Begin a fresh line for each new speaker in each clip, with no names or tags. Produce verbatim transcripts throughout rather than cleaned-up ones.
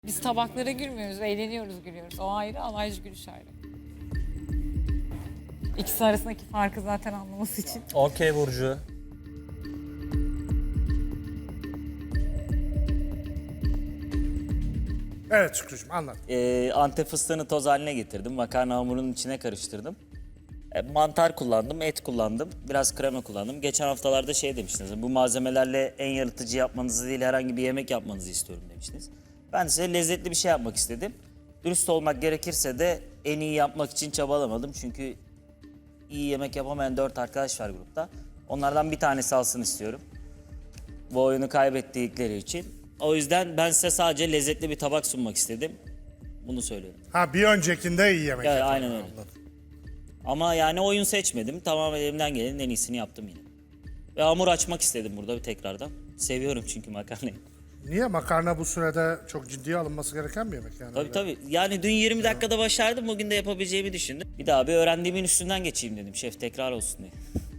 Biz tabaklara gülmüyoruz, eğleniyoruz, gülüyoruz. O ayrı, alaycı gülüş ayrı. İkisi arasındaki farkı zaten anlaması için.
Okey Burcu.
Evet Şükrücüğüm anlat.
Ee, Antep fıstığını toz haline getirdim. Makarna hamurunun içine karıştırdım. E, mantar kullandım, et kullandım. Biraz krema kullandım. Geçen haftalarda şey demiştiniz. Bu malzemelerle en yaratıcı yapmanızı değil herhangi bir yemek yapmanızı istiyorum demiştiniz. Ben size lezzetli bir şey yapmak istedim. Dürüst olmak gerekirse de en iyi yapmak için çabalamadım. Çünkü iyi yemek yapamayan dört arkadaş var grupta. Onlardan bir tanesi alsın istiyorum. Bu oyunu kaybettikleri için. O yüzden ben size sadece lezzetli bir tabak sunmak istedim. Bunu söylüyorum.
Ha bir öncekinde iyi yemek
Ya,
yaptın.
aynen öyle.
Anladım.
Ama yani oyun seçmedim. Tamamen elimden gelenin en iyisini yaptım yine. Ve hamur açmak istedim burada bir tekrardan. Seviyorum çünkü makarnayı.
Niye makarna bu sürede çok ciddiye alınması gereken bir yemek yani?
Tabii
Öyle.
tabii. Yani dün yirmi dakikada başardım. Bugün de yapabileceğimi düşündüm. Bir daha bir öğrendiğimin üstünden geçeyim dedim. Şef tekrar olsun diye.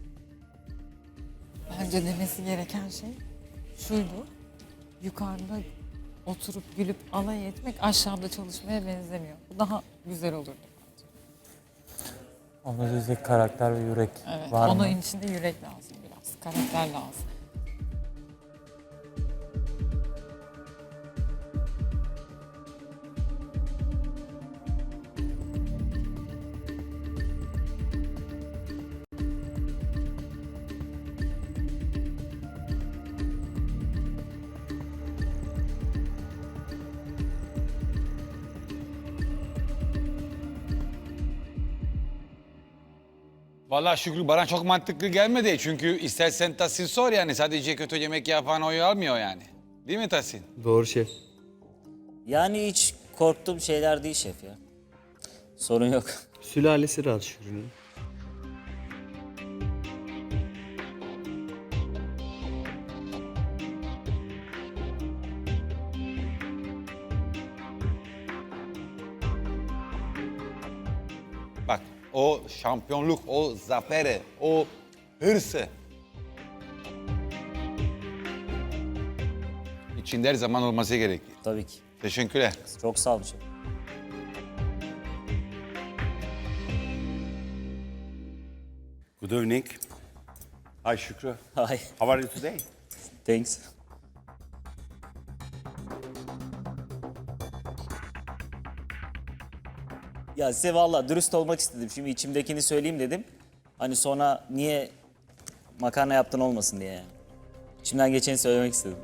Bence demesi gereken şey şuydu. Yukarıda oturup gülüp alay etmek aşağıda çalışmaya benzemiyor. Bu daha güzel olurdu bence.
Onda diyecek karakter ve yürek
Evet,
var
onun
mı?
içinde yürek lazım biraz, karakter lazım.
Vallahi Şükrü bana çok mantıklı gelmedi. Çünkü istersen Tahsin sor yani sadece kötü yemek yapan oyu almıyor yani. Değil mi Tahsin?
Doğru şef.
Yani hiç korktuğum şeyler değil şef ya. Sorun yok.
Sülalesi rahat Şükrü'nün.
Bak o şampiyonluk, o zaferi, o hırsı. İçinde her zaman olması gerekir.
Tabii ki.
Teşekkürler.
Çok sağ olun şef.
Good evening. Hi, Shukra.
Hi.
How are you today?
Thanks. Ya size valla dürüst olmak istedim. Şimdi içimdekini söyleyeyim dedim. Hani sonra niye makarna yaptın olmasın diye yani. İçimden geçeni söylemek istedim.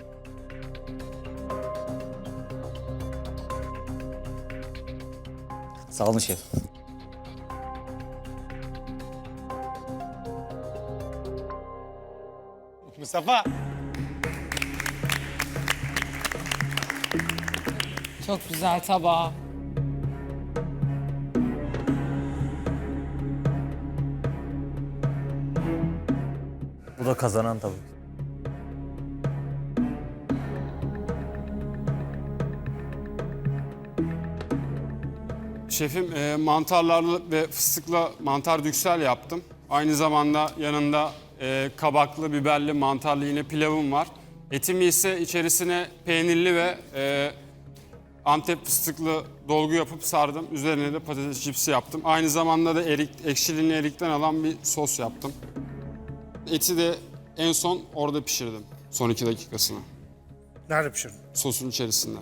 Sağ olun şef.
Mustafa.
Çok güzel tabağı.
Bu da kazanan tabii ki.
Şefim e, mantarlarlı ve fıstıklı mantar düksel yaptım. Aynı zamanda yanında e, kabaklı, biberli, mantarlı yine pilavım var. Etimi ise içerisine peynirli ve e, Antep fıstıklı dolgu yapıp sardım. Üzerine de patates cipsi yaptım. Aynı zamanda da erik, ekşiliğini erikten alan bir sos yaptım. Eti de en son orada pişirdim. Son iki dakikasını.
Nerede pişirdin?
Sosun içerisinde.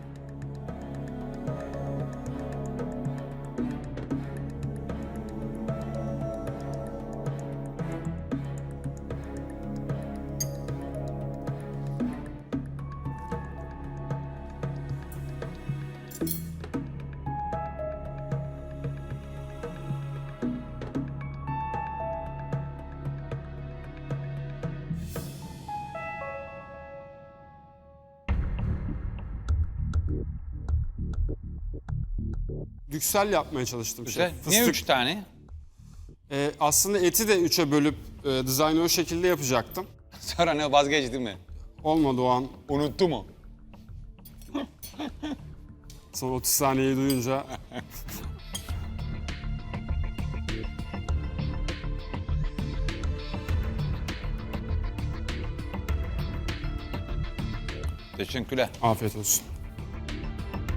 Düksel yapmaya çalıştım.
Güzel.
şef.
Niye
Fıstık.
üç tane?
Ee, aslında eti de üçe bölüp e, dizaynı o şekilde yapacaktım.
Sonra ne vazgeçti mi?
Olmadı o an.
Unuttu mu?
Son otuz saniyeyi duyunca
Teşekkürler.
afiyet olsun.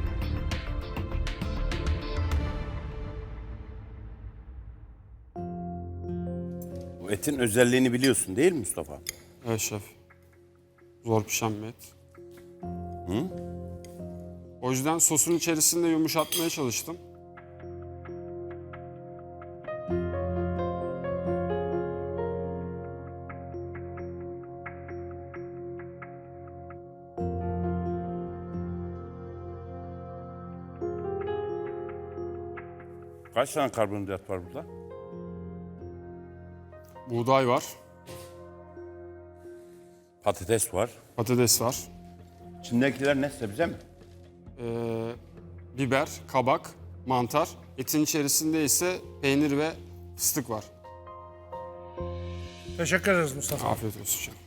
Bu etin özelliğini biliyorsun değil mi Mustafa?
Evet şef. Zor pişen bir et. O yüzden sosun içerisinde yumuşatmaya çalıştım.
Kaç tane karbonhidrat var burada?
Buğday var,
Patates var.
patates var,
İçindekiler ne, sebze mi?
ee, biber, kabak, mantar. Etin içerisinde ise peynir ve fıstık var.
Teşekkür ederiz Mustafa.
Afiyet olsun şef.